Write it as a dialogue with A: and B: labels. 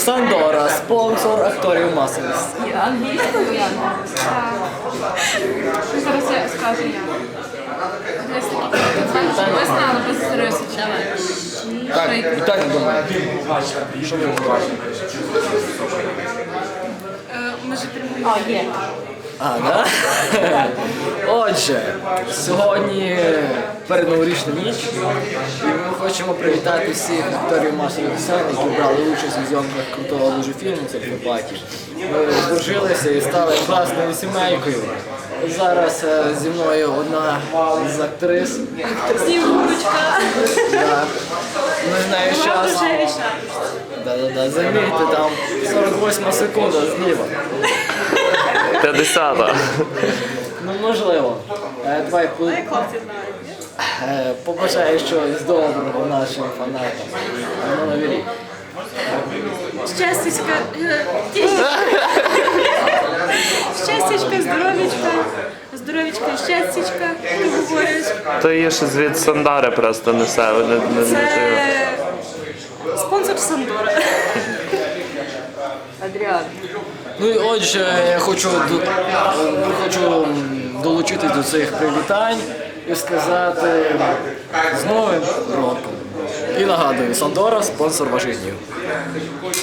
A: Сандора, спонсор акторів масовість.
B: Англійською? Так. Зараз я скажу я. Ми знали без рисочки.
A: Так, вітання до мене. Що ви бачите?
B: Ми ж отримуємо.
A: А, да? Отже, сьогодні передноворічна ніч, і ми хочемо привітати всіх акторів масових сцен, які брали участь у зйомках крутого дуже фільму «Серфопаті». Ми здружилися і стали класною сімейкою. Зараз зі мною одна з актрис.
B: Снігурочка.
A: Да. Ми з нею час. Да-да-да, замітьте, там 48 секунда зліва.
C: 50-та.
A: Ну, можливо. Давай побажаю щось доброго нашим фанатам. На Новий рік.
B: Щастячка. Щастячка, здоров'ячка. Здоров'ячка і щастячка, ти говориш.
C: То є щось від Сандари просто несе.
B: Це спонсор Сандора. Адріан.
A: Ну і отже, я хочу долучитись до цих привітань і сказати з Новим роком. І нагадую, Сандора – спонсор ваших днів.